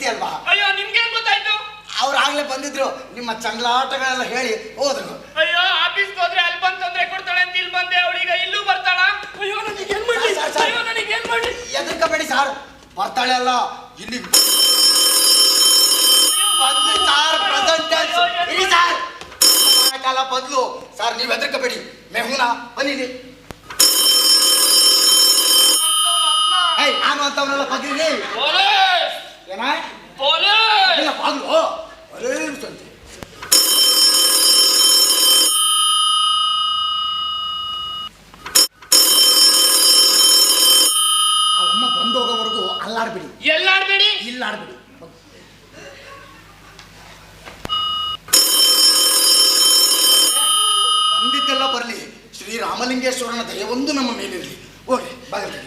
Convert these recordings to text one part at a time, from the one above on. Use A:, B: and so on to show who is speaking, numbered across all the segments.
A: ಇದೆಯಲ್ವಾ?
B: ಅಯ್ಯೋ ನಿಮ್ಗೇನ್ ಗೊತ್ತಾಯ್ತು?
A: ಅವ್ರು ಆಗ್ಲೇ ಬಂದಿದ್ರು, ನಿಮ್ಮ ಚಂಗ್ಲಾಟಗಳೆಲ್ಲ ಹೇಳಿ ಹೋದ್ರು.
B: ಅಯ್ಯೋ ಆಫೀಸ್ಗೆ ಹೋದ್ರೆ ಅಲ್ಲಿ ಬಂದು ತೊಂದ್ರೆ ಕೊಡ್ತಾಳೆ ಅಂತ ಇಲ್ಲಿ ಬಂದೆ, ಅವಳೀಗ ಇಲ್ಲೂ ಬರ್ತಾಳ. ಅಯ್ಯೋ ನನಗೇನ್ ಮಾಡಿ, ಅಯ್ಯೋ ನನಗೇನ್ ಮಾಡಿ.
A: ಎದರ್ಕಬೇಡಿ ಸಾರ್, ಬರ್ತಾಳೆ ಅಲ್ಲ ಇಲ್ಲಿ ಬಂದು ಸಾರ್ ಪ್ರೆಸೆಂಟ್ ಸಾರ್ ಕಾಲ ಬದಲು ಸಾರ್. ನೀವು ಎದರ್ಕಬೇಡಿ, ಮೆಹುನಾ ಬನ್ನಿ. ನಾನು ಅಂತವನ್ನೆಲ್ಲ ಬಗ್ರಿ ಏನ ಬಾಗ್ಲು ಸಂತೆ. ಅವಮ್ಮ ಬಂದೋಗೋವರೆಗೂ ಅಲ್ಲಾಡ್ಬಿಡಿ.
B: ಎಲ್ಲಾಡ್ಬೇಡಿ,
A: ಇಲ್ಲಾಡ್ಬಿಡಿ. ಬಂದಿದ್ದೆಲ್ಲ ಬರಲಿ, ಶ್ರೀರಾಮಲಿಂಗೇಶ್ವರನ ದಯವೊಂದು ನಮ್ಮ ಮೇಲಿರಲಿ. ಹೋಗ್ರಿ ಬಾಗಿಲು.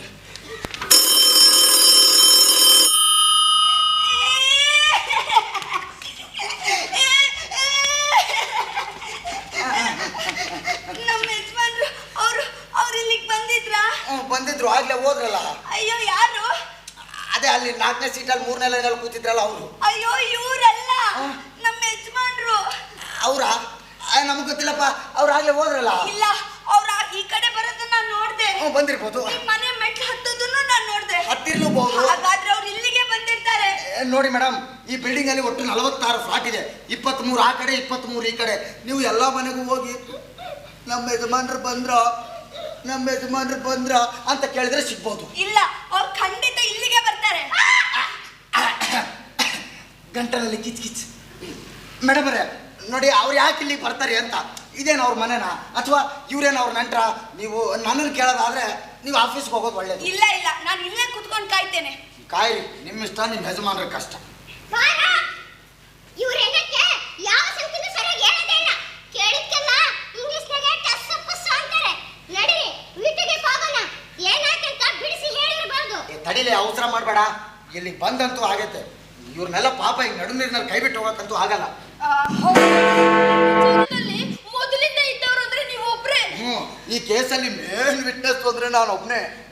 A: ಬಂದಿದ್ರು ಆಗ್ಲೇ ಹೋದ್ರಲ್ಲ.
C: ಅಯ್ಯೋ ಯಾರು?
A: ಅದೇ ಅಲ್ಲಿ 4ನೇ ಸೀಟಲ್ಲಿ 3ನೇ ಲೈನಲ್ಲಿ ಕೂತಿದ್ರಲ್ಲ ಅವರು.
C: ಅಯ್ಯೋ ಇವರಲ್ಲ, ನಮ್ಮ ಯಜಮಾನ್ರು.
A: ಅವ್ರ ನಮಗ್ ಗೊತ್ತಿಲ್ಲಪ್ಪ, ಅವ್ರು ಆಗ್ಲೇ ಹೋದ್ರಲ್ಲ.
C: ಇಲ್ಲ, ಅವ್ರ ಈ ಕಡೆ ಬರೋದನ್ನ ನಾನು ನೋಡ್ದೆ.
A: ಬಂದಿರ್ಬೋದು.
C: ಮನೆ ಮೆಟ್ಲು ಹತ್ತೋದನ್ನು ನಾನು ನೋಡ್ದೆ.
A: ಹತ್ತಿರ್ಲೂಬಹುದು.
C: ಹಾಗಾದ್ರೆ ಅವ್ರು ಇಲ್ಲಿಗೆ ಬಂದಿರ್ತಾರೆ.
A: ನೋಡಿ ಮೇಡಮ್, ಈ ಬಿಲ್ಡಿಂಗ್ ಅಲ್ಲಿ ಒಟ್ಟು 46 ಫ್ಲಾಟ್ ಇದೆ. 23 ಆ ಕಡೆ, 23 ಈ ಕಡೆ. ನೀವು ಎಲ್ಲಾ ಮನೆಗೂ ಹೋಗಿ ನಮ್ಮ ಯಜಮಾನ್ರು ಬಂದ್ರ ಅಂತ ಕೇಳಿದ್ರೆ ಸಿಗ್ಬೋದು.
C: ಇಲ್ಲ, ಅವ್ರು ಖಂಡಿತ ಇಲ್ಲಿಗೆ ಬರ್ತಾರೆ.
A: ಗಂಟಲಲ್ಲಿ ಕಿಚ್ ಮೇಡಮ್ ಅವರೇ ನೋಡಿ, ಅವ್ರು ಯಾಕೆ ಇಲ್ಲಿಗೆ ಬರ್ತಾರೆ ಅಂತ. ಇದೇನು ಅವ್ರ ಮನೆನಾ ಅಥವಾ ಇವ್ರೇನು ಅವ್ರ ನೆಂಟ್ರ? ನೀವು ನನ್ನನ್ನು ಕೇಳೋದಾದ್ರೆ ನೀವು ಆಫೀಸ್ಗೆ ಹೋಗೋದು ಒಳ್ಳೇದು.
C: ಇಲ್ಲ ಇಲ್ಲ, ನಾನು ಇಲ್ಲೇ ಕುತ್ಕೊಂಡು ಕಾಯ್ತೇನೆ.
A: ಕಾಯಿರಿ, ನಿಮ್ಮ ಇಷ್ಟ, ನಿಮ್ಮ ಯಜಮಾನ್ರ ಕಷ್ಟ.
D: ಯಾವ ಸಂಖ್ಯೆನೂ ಸರಿಯಾಗಿ ಹೇಳೋದೇ ಇಲ್ಲ. ಕೇಳಿದ್ಕೆಲ್ಲ ಇಂಗ್ಲಿಷ್ನಾಗೆ ಟಸ್ ಪಸ್ ಅಂತಾರೆ. ನಡೀರಿ ವೀಟಿಗೆ ಹೋಗೋಣ. ಏನಾಯ್ತಂತ ಬಿಡಿಸಿ ಹೇಳಿರಬಹುದು.
A: ತಡಿಲಿ, ಅವಸರ ಮಾಡಬೇಡ. ಇಲ್ಲಿಗೆ ಬಂದಂತೂ ಆಗೈತೆ. ಇವ್ರನ್ನೆಲ್ಲ ಪಾಪ ಈಗ ನಡು ನೀರಿನಲ್ಲಿ ಕೈ ಬಿಟ್ಟು ಹೋಗಕ್ಕಂತೂ ಆಗಲ್ಲ.
C: ಮೊದಲಿಂದ ಇದ್ದವರು ಅಂದ್ರೆ ನೀವು ಒಬ್ರೇ.
A: ಈ ಕೇಸಲ್ಲಿ ಮೇನ್ ವಿಟ್ನೆಸ್ ಅಂದ್ರೆ ನಾನು ಒಬ್ನೇ.